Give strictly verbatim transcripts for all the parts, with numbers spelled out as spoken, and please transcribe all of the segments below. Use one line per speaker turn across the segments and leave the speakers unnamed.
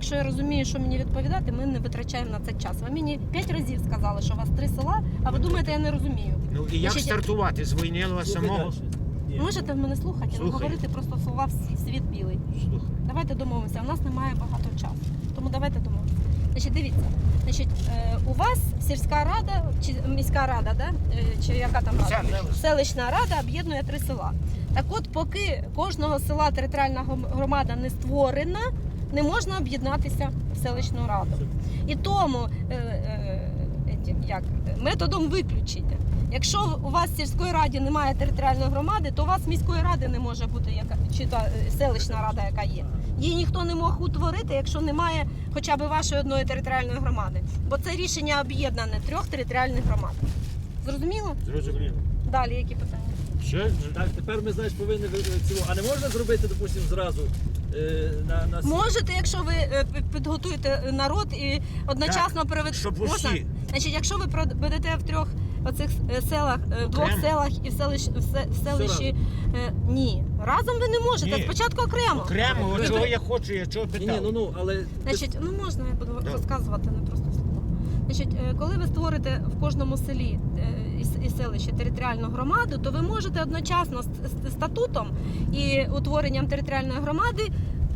якщо я розумію, що мені відповідати, ми не витрачаємо на це час. Ви мені п'ять разів сказали, що у вас три села, а ви думаєте, я не розумію.
Ну і як
Значить,
стартувати з Войнилова самого?
Можете в мене слухати, не
Слухаю.
говорити просто слова в світ білий.
Слухай.
Давайте домовимося, у нас немає багато часу, тому давайте домовимося. Значить, дивіться, значить, е, у вас сільська рада, чи міська рада, да? Е, чи яка там рада?
Селищна.
Селищна рада об'єднує три села. Так от, поки кожного села територіальна громада не створена, не можна об'єднатися в селищну раду. І тому е, е, етім, як, методом виключення. Якщо у вас в сільської раді немає територіальної громади, то у вас міської ради не може бути яка, чи та е, селищна рада, яка є. Її ніхто не мог утворити, якщо немає хоча б вашої одної територіальної громади. Бо це рішення об'єднане трьох територіальних громад. Зрозуміло?
Зрозуміло.
Далі які питання?
Що?
Так, тепер ми, знаєш, повинні ви- цього. А не можна зробити, допустимо, зразу е, на, на...
Можете, якщо ви е, пі- підготуєте народ і одночасно
Так,
проведете.
щоб
Можна?
усі.
Значить, якщо ви проведете в трьох оцих е, селах, е, в двох
Окремо?
селах і в селищі, в се- в селищі е, ні. Разом ви не можете,
Ні.
спочатку окремо.
Окремо,
Ви-
от чого
ви-
я хочу, я чого
Ні,
питав.
ні, ну, ну, але...
Значить, ну можна я буду
Да.
розказувати, не просто слово. Значить, е, коли ви створите в кожному селі е, і с- і селищі територіальну громаду, то ви можете одночасно з з статутом і утворенням територіальної громади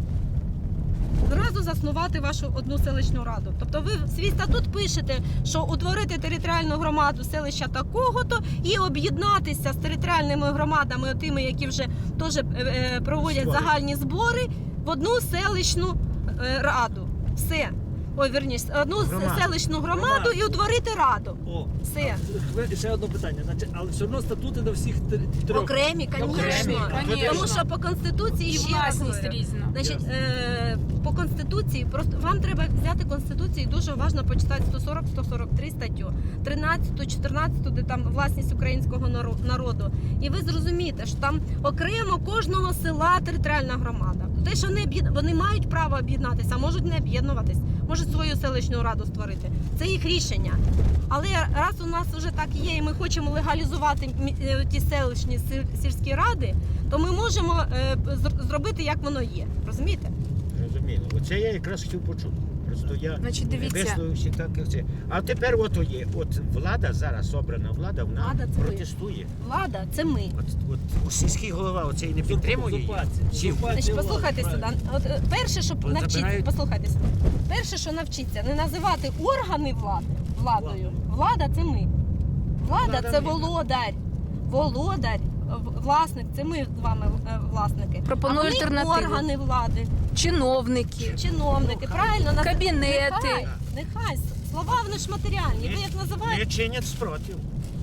зразу заснувати вашу одну селищну раду. Тобто ви в свій статут пишете, що утворити територіальну громаду селища такого-то і об'єднатися з територіальними громадами, тими, які вже теж е, е, проводять
Збори.
загальні збори, в одну селищну е, раду. Все. Ой, верніше, одну с-
Громаду.
селищну громаду
Громаду.
і утворити раду.
О,
Все.
ви- ще одне питання. Значить, але все одно статути до всіх три- трьох.
Окремі,
Окремі,
звісно.
конечно.
Тому що по Конституції
І
ще раз
власність
говорю,
різна.
Значить,
Ясно.
е, по Конституції, просто вам треба взяти Конституцію і дуже уважно почитати сто сорок сто сорок три статтю, тринадцяту, чотирнадцяту, де там власність українського наро- народу. І ви зрозумієте, що там окремо кожного села територіальна громада. Те, що вони, об'єд- вони мають право об'єднатися, а можуть не об'єднуватись, можуть свою селищну раду створити. Це їх рішення. Але раз у нас вже так є, і ми хочемо легалізувати мі- е, ті селищні сіль- сільські ради, то ми можемо е, зр- зробити, як воно є. Розумієте?
Розуміло. Оце я якраз хотів почути. Просто я
Значить, дивіться.
висловився так, як це. А тепер от є. От влада зараз, обрана влада, вона
Влада це ви.
протестує.
Влада це ми.
От, от сільський голова оцей не підтримує її.
Узурпація.
Всі.
Узурпація
Значить,
влади,
послухайте сюди.
правильно.
От е, перше, що
От
навчіться,
забирають-
послухайте сюди. Перше, що навчіться, не називати органи влади владою. Влада це ми. Влада
Влада
це
ми.
володар. Володар, в- власник, це ми з вами е, власники.
Пропоную
а вони
альтернативу.
органи влади.
Чиновники.
Чиновники, правильно? Наз-
Кабінети.
Нехай, нехай. Слова вони ж матеріальні. Ви як
Не
називаєте?
чинять спротив.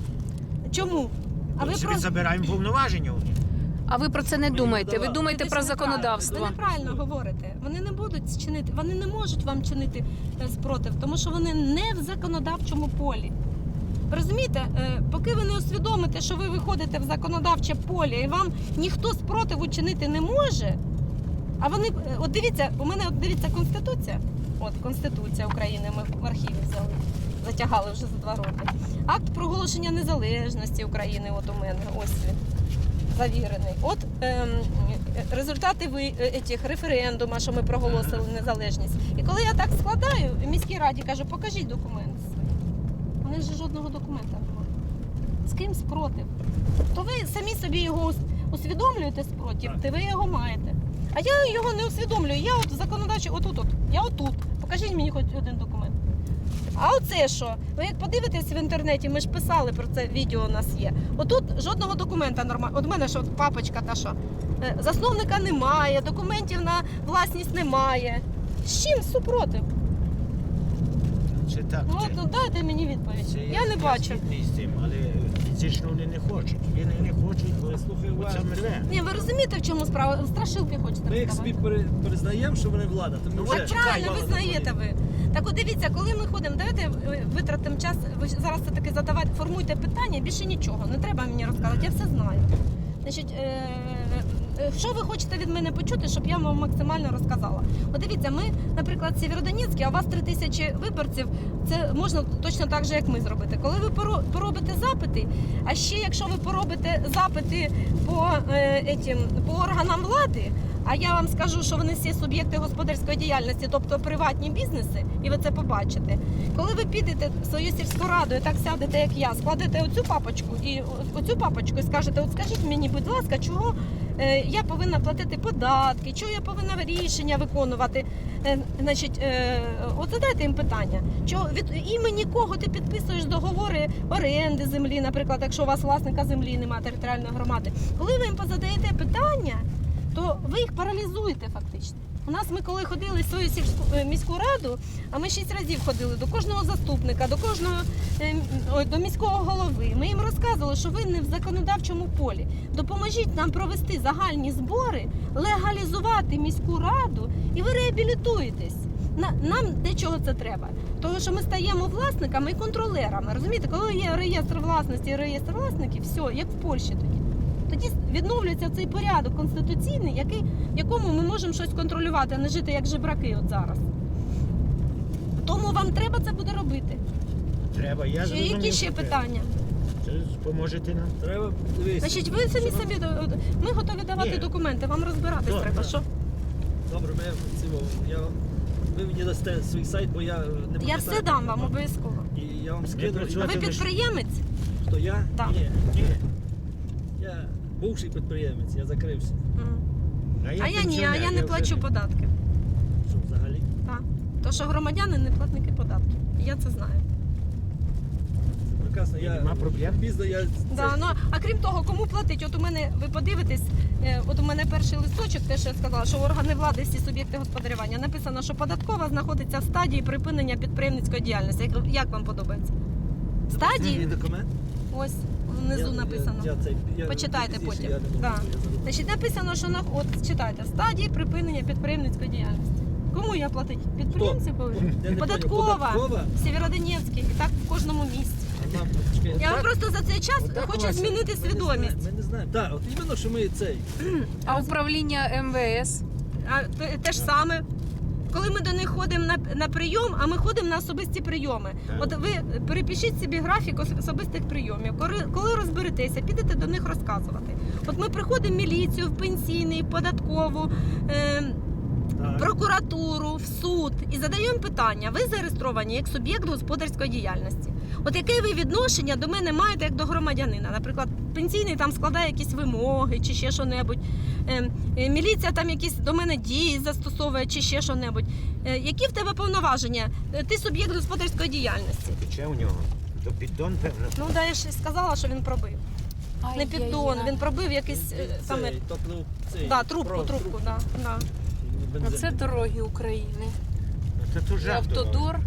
Чому? А ви
Ми собі
про
забираємо повноваження у них.
А ви про це не думаєте? Ви
давали.
думаєте
Ви
про
ж неправильно-
законодавство.
Ви неправильно говорите. Вони не будуть чинити, вони не можуть вам чинити е, спротив, тому що вони не в законодавчому полі. Ви розумієте, Е, поки ви не усвідомите, що ви виходите в законодавче поле і вам ніхто спротиву чинити не може. А вони, е, от дивіться, у мене от дивіться Конституція. От Конституція України, ми в архіві взяли, затягали вже за два роки. Акт проголошення незалежності України, от у мене, ось він, завірений. От ем, результати ви, е, етіх, референдуму, що ми проголосили незалежність. І коли я так складаю, в міській раді кажу, покажіть документи свої. Вони ж жодного документа немає. З ким спротив? То ви самі собі його ус- усвідомлюєте спротив,
Так.
то ви його маєте. А я його не усвідомлюю. Я от законодавчо, отут, от, я отут. Покажіть мені хоч один документ. А оце що? Ви як подивитесь в інтернеті, ми ж писали про це, відео у нас є. Отут жодного документа нормально. От в мене що папочка та що. Е, Засновника немає, документів на власність немає. З чим супротив?
Це так.
Ну,
це-
от, ну дайте мені відповідь.
це
Я не бачу.
згідний з цим, але фізично вони не хочуть. Вони не хочуть, бо
Слухай,
оце
уважно.
рве.
Ні, ви розумієте, в чому справа? Страшилки хочете
Ми їх собі
розказати.
пере- признаємо, що вони влада. То ми
Ну,
вже
От правильно,
влада
ви знаєте ви. Так от дивіться, коли ми ходимо, давайте е, витратимо час, ви ж зараз все таки задавайте, формуйте питання, більше нічого, не треба мені розказувати, я все знаю. Значить, е, е, що ви хочете від мене почути, щоб я вам максимально розказала? От дивіться, ми, наприклад, в Сєвєродонецьку, а у вас три тисячі виборців, це можна точно так же, як ми зробити. Коли ви поро- поробите запити, а ще якщо ви поробите запити по, е, етім, по органам влади, А я вам скажу, що вони всі суб'єкти господарської діяльності, тобто приватні бізнеси, і ви це побачите. Коли ви підете в свою сільську раду і так сядете, як я, складете оцю папочку і оцю папочку і скажете, от скажіть мені, будь ласка, чого е, я повинна платити податки, чого я повинна рішення виконувати. Е, значить, е, от задайте їм питання, чого від імені кого ти підписуєш договори оренди землі, наприклад, якщо у вас власника землі немає, територіальної громади. Коли ви їм позадаєте питання, то ви їх паралізуєте фактично. У нас ми коли ходили в свою сільську е, міську раду, а ми шість разів ходили до кожного заступника, до кожного е, ой, до міського голови. Ми їм розказували, що ви не в законодавчому полі. Допоможіть нам провести загальні збори, легалізувати міську раду, і ви реабілітуєтесь. На- Нам для чого це треба? Тому що ми стаємо власниками і контролерами. Розумієте, коли є реєстр власності і реєстр власників, все, як в Польщі тоді. Тоді відновлюється цей порядок конституційний, який, в якому ми можемо щось контролювати, а не жити як жебраки от зараз. Тому вам треба це буде робити.
Треба, я
Чи
зрозумів,
які ще
що треба.
питання?
Це поможете нам?
Треба дивитися.
Значить, ви самі
Що нам-
собі до- ми готові давати
Ні.
документи, вам розбиратись
Так,
треба.
так.
Що?
Добре, ми цього. Я ви мені дасте свій сайт, бо я не
Я
пам'ятаю.
все дам вам обов'язково.
І я вам скину.
А
працювати
ви
ви ж-
підприємець?
Хто я?
Так.
Ні.
Ні.
Я бувший підприємець, я закрився.
М. А я ні, а
пенсіонер,
я не
вже
плачу податки.
Що взагалі?
Так. То що громадяни не платники податків. Я це знаю.
Це прекрасно.
Ні,
Я
нема проблем.
пізно я
Да,
це-
ну, а крім того, кому платить? От у мене, ви подивитесь, е, от у мене перший листочок, те, що я сказала, що органи влади, всі суб'єкти господарювання, написано, що податкова знаходиться в стадії припинення підприємницької діяльності. Як, як вам подобається? В
Мій
стадії?
документ.
Ось внизу
Я-
написано.
Я, я, цей- я,
Почитайте
пізніше,
потім.
Я не можу,
Да.
я забув.
Значить, написано, що на от читайте, в стадії припинення підприємницької діяльності. Кому я платить? Підприємці повинні?
Я не
Податкова.
поняв. Податкова?
Сєвєродонецький. І так в кожному місці.
А нам, чекай,
Я вам
так?
просто за цей час
Отак у
хочу
вас-
змінити
Ми не
свідомість.
знаємо, Ми не знаємо. Так, от іменно, що ми цей.
А управління Ем Ве Ес?
А те, те ж саме. Коли ми до них ходимо на, на прийом, а ми ходимо на особисті прийоми.
Так.
От ви перепишіть собі графік ос- особистих прийомів. Коли, коли розберетеся, підете до них розказувати. От ми приходимо в міліцію, в пенсійний, в податкову, е,
Так.
прокуратуру, в суд і задаємо питання. Ви зареєстровані як суб'єкт господарської діяльності. От яке ви відношення до мене маєте як до громадянина? Наприклад, пенсійний там складає якісь вимоги чи ще що-небудь. Е, е, міліція там якісь до мене дії застосовує чи ще що-небудь. Е, які в тебе повноваження? Е, Ти суб'єкт господарської діяльності.
Пече у нього. То піддон, певно.
Ну, да, я ж і сказала, що він пробив. Не піддон, він пробив якийсь е, саме
Цей, тобто, цей,
да, трубку,
про-
трубку, да, да.
бензин.
Оце дороги України.
Це то
І
жах дорога.
Автодор.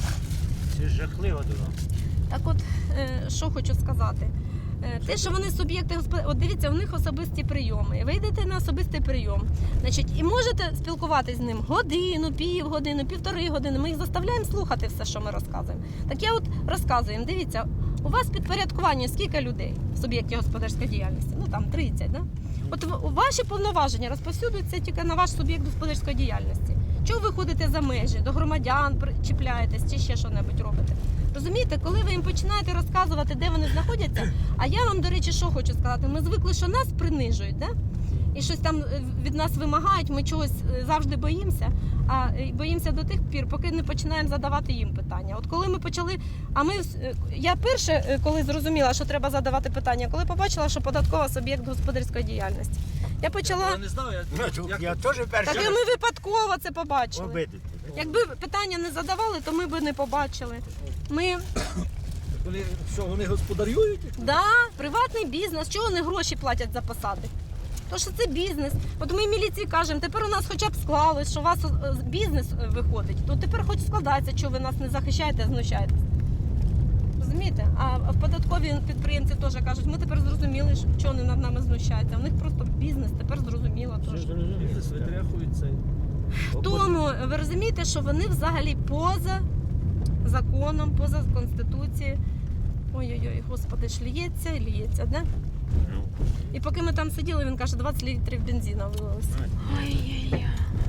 Це жахлива дорога.
Так от, е, що хочу сказати. Е, Те, що вони суб'єкти господарської, от дивіться, у них особисті прийоми. Ви йдете на особистий прийом, значить, і можете спілкуватися з ним годину, півгодини, півтори години. Ми їх заставляємо слухати все, що ми розказуємо. Так я от розказую їм, дивіться, у вас підпорядкування скільки людей в суб'єкті господарської діяльності? Ну там тридцять, да? От в- ваші повноваження розповсюдуються тільки на ваш суб'єкт господарської діяльності. Чого ви ходите за межі, до громадян при- чіпляєтесь чи ще що-небудь робите? Розумієте, коли ви їм починаєте розказувати, де вони знаходяться, а я вам, до речі, що хочу сказати, ми звикли, що нас принижують, да? І щось там е, від нас вимагають, ми чогось е, завжди боїмося, а е, боїмося до тих пір, поки не починаємо задавати їм питання. От коли ми почали, а ми, е, я перше, е, коли зрозуміла, що треба задавати питання, коли побачила, що податкова суб'єкт господарської діяльності. Я почала,
Я не знав, я,
Ну,
як-
я теж
так
перший
і ми випадково це побачили.
обидити.
Якби питання не задавали, то ми б не побачили. Ми,
Вони, що, вони господарюють?
да, приватний бізнес, чого вони гроші платять за посади? То що це бізнес. От ми міліції кажемо, тепер у нас хоча б склалось, що у вас е, бізнес е, виходить, то тепер хоч складається, що ви нас не захищаєте, а знущаєтесь. Розумієте? А в податкові підприємці теж кажуть, ми тепер зрозуміли, що вони над нами знущаються. У них просто бізнес, тепер зрозуміло
Все
теж.
зрозуміло.
Бізнес витряхують цей.
Тому ви розумієте, що вони взагалі поза законом, поза конституцією. Ой-ой-ой, господи, ж ліється і ліється, да?
Ну,
І поки ми там сиділи, він каже, двадцять літрів бензину вилилося.
Ай-яй-яй.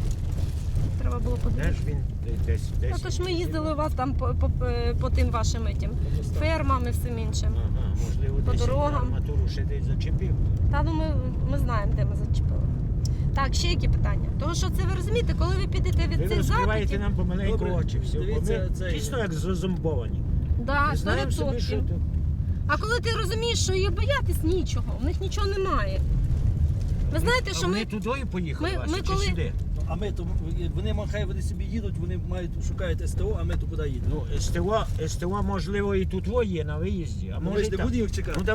Треба було
де
подивитися.
ж він десь десь.
Ну, то ж ми їздили у вас там по, по, по тим вашим етім, фермам і всім іншим.
Ага, можливо,
По
десь
дорогам.
арматуру ще десь зачепив.
Та ну ми, ми знаємо, де ми зачепили. Так, ще які питання? Тому що це ви розумієте, коли ви підете від
Ви
цих
розкриваєте
запитів,
нам помаленьку
Добре,
очі. Все, бо
дивіться,
ми
цей-
дійсно як зазомбовані.
да,
Ми
сто
знаємо собі, що
відсотків.
тут.
А коли ти розумієш, що їх боятись нічого, у них нічого немає. Ви знаєте,
А
що
вони
ми.
тудою поїхали,
ми-
Вася,
ми
чи
коли-
сюди?
Ну, а ми то вони ма- хай вони собі їдуть, вони мають шукають СТО, а ми то куди їдемо?
Ну, СТО, СТО, можливо, і тут є на виїзді, а
Ну, ми
може
ж
і
не
там.
будемо їх чекати.
Ну,